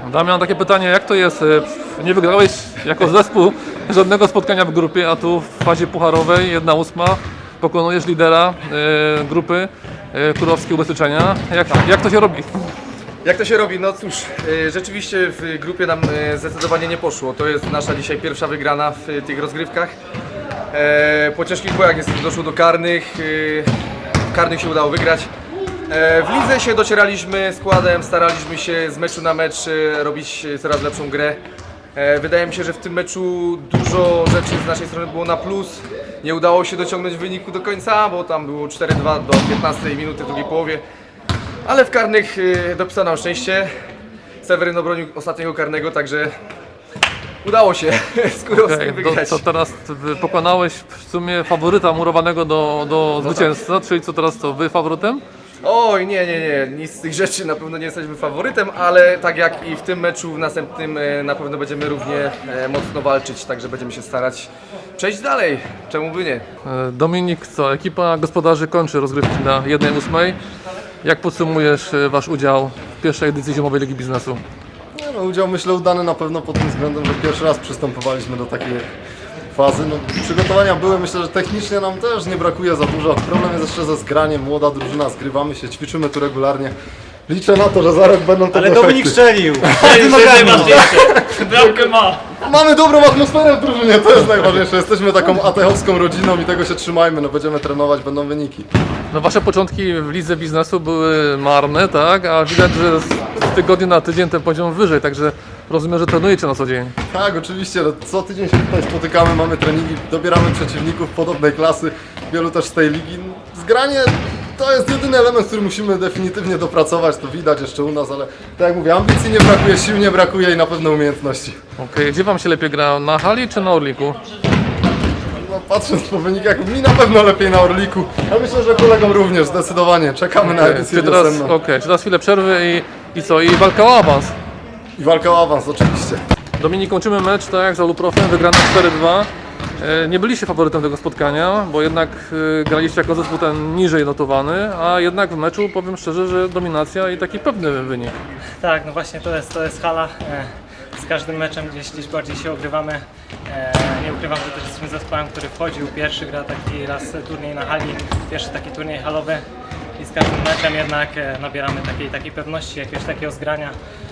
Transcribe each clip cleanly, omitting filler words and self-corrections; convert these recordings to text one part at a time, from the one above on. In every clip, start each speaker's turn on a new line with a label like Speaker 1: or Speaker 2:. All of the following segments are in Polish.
Speaker 1: Damian, takie pytanie, jak to jest? Nie wygrałeś jako zespół żadnego spotkania w grupie, a tu w fazie pucharowej 1/8 pokonujesz lidera grupy Kurowskie Ubezpieczenia. Jak to się robi?
Speaker 2: Jak to się robi? No cóż, rzeczywiście w grupie nam zdecydowanie nie poszło. To jest nasza dzisiaj pierwsza wygrana w tych rozgrywkach. Po ciężkich bojach niestety doszło do karnych. W karnych się udało wygrać. W lidze się docieraliśmy składem, staraliśmy się z meczu na mecz robić coraz lepszą grę. Wydaje mi się, że w tym meczu dużo rzeczy z naszej strony było na plus. Nie udało się dociągnąć wyniku do końca, bo tam było 4-2 do 15 minuty w drugiej połowie. Ale w karnych dopisano nam szczęście. Seweryn obronił ostatniego karnego, także udało się z Kurowskim wygrać.
Speaker 1: To teraz pokonałeś w sumie faworyta murowanego do zwycięstwa, czyli co teraz to, wy faworytem?
Speaker 2: Oj, nie, nic z tych rzeczy, na pewno nie jesteśmy faworytem, ale tak jak i w tym meczu, w następnym na pewno będziemy równie mocno walczyć, także będziemy się starać przejść dalej, czemu by nie.
Speaker 1: Dominik, co, ekipa gospodarzy kończy rozgrywki na 1/8. Jak podsumujesz wasz udział w pierwszej edycji Zimowej Ligi Biznesu?
Speaker 3: No, udział myślę udany na pewno pod tym względem, że pierwszy raz przystępowaliśmy do takiej fazy. No, przygotowania były, myślę, że technicznie nam też nie brakuje za dużo. Problem jest jeszcze ze zgraniem, młoda drużyna, zgrywamy się, ćwiczymy tu regularnie. Liczę na to, że za rok będą to
Speaker 4: Ale
Speaker 3: efekty.
Speaker 4: Dominik strzelił!
Speaker 5: To jest najważniejsze. Bramkę ma.
Speaker 3: Mamy dobrą atmosferę w drużynie, to jest najważniejsze. Jesteśmy taką atechowską rodziną i tego się trzymajmy, no będziemy trenować, będą wyniki.
Speaker 1: No wasze początki w lidze biznesu były marne, tak? A widać, że z tygodnia na tydzień ten poziom wyżej, także rozumiem, że trenujecie na co dzień.
Speaker 3: Tak, oczywiście, no, co tydzień się tutaj spotykamy, mamy treningi, dobieramy przeciwników podobnej klasy, wielu też z tej ligi. Zgranie to jest jedyny element, który musimy definitywnie dopracować, to widać jeszcze u nas, ale tak jak mówię, ambicji nie brakuje, sił nie brakuje i na pewno umiejętności.
Speaker 1: Okej, gdzie wam się lepiej gra? Na hali czy na Orliku?
Speaker 3: No, patrząc po wynikach, mi na pewno lepiej na Orliku, a myślę, że kolegom również, zdecydowanie. Czekamy na edycję
Speaker 1: Czy teraz,
Speaker 3: wiosenną.
Speaker 1: czy teraz chwilę przerwy i co? I walka o awans.
Speaker 3: I walka o awans, oczywiście.
Speaker 1: Dominik, kończymy mecz, tak jak z Aluprofem, wygrana 4-2. Nie byliście faworytem tego spotkania, bo jednak graliście jako zespół ten niżej notowany, a jednak w meczu powiem szczerze, że dominacja i taki pewny wynik.
Speaker 5: Tak, no właśnie to jest hala. Z każdym meczem gdzieś bardziej się ogrywamy. Nie ukrywam, że też jesteśmy zespołem, który wchodził pierwszy, gra taki raz turniej na hali, pierwszy taki turniej halowy i z każdym meczem jednak nabieramy takiej pewności, jakiegoś takiego zgrania.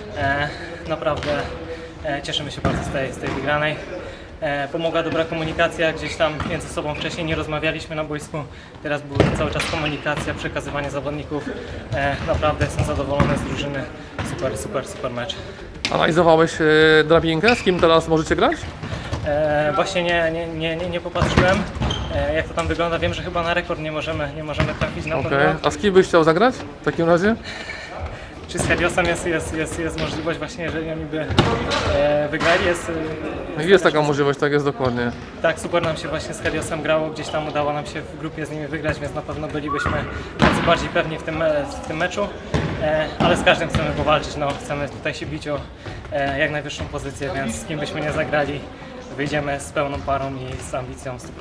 Speaker 5: Naprawdę cieszymy się bardzo z tej wygranej. Pomogła dobra komunikacja, gdzieś tam między sobą wcześniej nie rozmawialiśmy na boisku, teraz była cały czas komunikacja, przekazywanie zawodników. Naprawdę jestem zadowolony z drużyny, super mecz.
Speaker 1: Analizowałeś drabinkę, z kim teraz możecie grać?
Speaker 5: Właśnie nie popatrzyłem, jak to tam wygląda. Wiem, że chyba na rekord nie możemy trafić na
Speaker 1: Okej.
Speaker 5: pewno.
Speaker 1: A z kim byś chciał zagrać w takim razie?
Speaker 5: Czy z Heliosem jest możliwość właśnie, jeżeli oni by wygrali?
Speaker 1: Jest taka możliwość, tak jest dokładnie.
Speaker 5: Tak, super nam się właśnie z Heliosem grało, gdzieś tam udało nam się w grupie z nimi wygrać, więc na pewno bylibyśmy nieco bardziej pewni w tym meczu. Ale z każdym chcemy powalczyć, no, chcemy tutaj się bić o jak najwyższą pozycję, więc z kim byśmy nie zagrali, wyjdziemy z pełną parą i z ambicją 100%.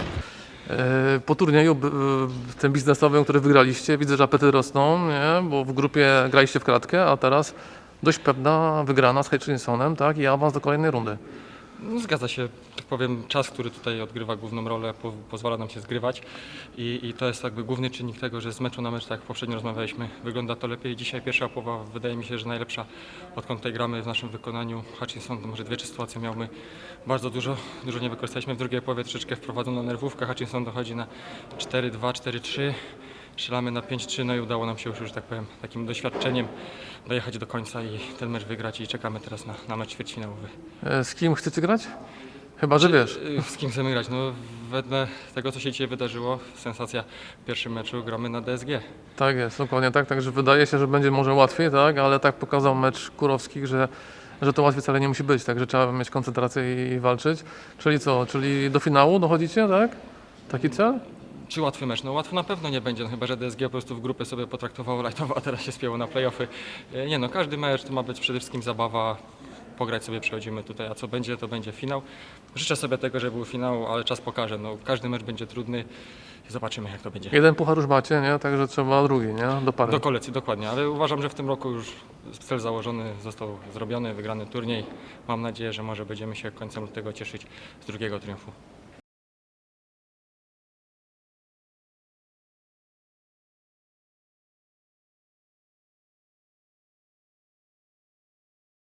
Speaker 1: Po turnieju tym biznesowym, który wygraliście, widzę, że apety rosną, nie? Bo w grupie graliście w kratkę, a teraz dość pewna wygrana z Hutchinsonem, tak? I awans do kolejnej rundy.
Speaker 6: No, zgadza się, tak powiem, czas, który tutaj odgrywa główną rolę, pozwala nam się zgrywać i to jest jakby główny czynnik tego, że z meczu na mecz, tak jak poprzednio rozmawialiśmy, wygląda to lepiej. Dzisiaj pierwsza połowa wydaje mi się, że najlepsza, odkąd tutaj gramy w naszym wykonaniu. Hutchinson to może 2-3 sytuacje miał, my bardzo dużo nie wykorzystaliśmy. W drugiej połowie troszeczkę wprowadzono nerwówkę, Hutchinson dochodzi na 4-2, 4-3. Strzelamy na 5-3, no i udało nam się już, tak powiem, takim doświadczeniem dojechać do końca i ten mecz wygrać i czekamy teraz na mecz ćwierćfinałowy.
Speaker 1: Z kim chcecie grać? Chyba, że wiesz.
Speaker 6: Z kim chcemy grać? No, wedle tego, co się dzisiaj wydarzyło, sensacja w pierwszym meczu, gramy na DSG.
Speaker 1: Tak jest, dokładnie tak. Także wydaje się, że będzie może łatwiej, tak? Ale tak pokazał mecz Kurowskich, że to łatwiej wcale nie musi być, także trzeba mieć koncentrację i walczyć. Czyli co? Czyli do finału dochodzicie, tak? Taki cel?
Speaker 6: Czy łatwy mecz? No łatwo na pewno nie będzie, no, chyba że DSG po prostu w grupie sobie potraktowało lightowo, a teraz się spięło na play-offy. Nie no, każdy mecz to ma być przede wszystkim zabawa. pograć sobie przechodzimy tutaj, a co będzie, to będzie finał. Życzę sobie tego, żeby był finał, ale czas pokaże. No, każdy mecz będzie trudny i zobaczymy, jak to będzie.
Speaker 1: Jeden puchar już macie, nie? Także trzeba drugi, nie? Do pary.
Speaker 6: Do kolekcji, dokładnie, ale uważam, że w tym roku już cel założony został zrobiony, wygrany turniej. Mam nadzieję, że może będziemy się końcem lutego cieszyć z drugiego triumfu.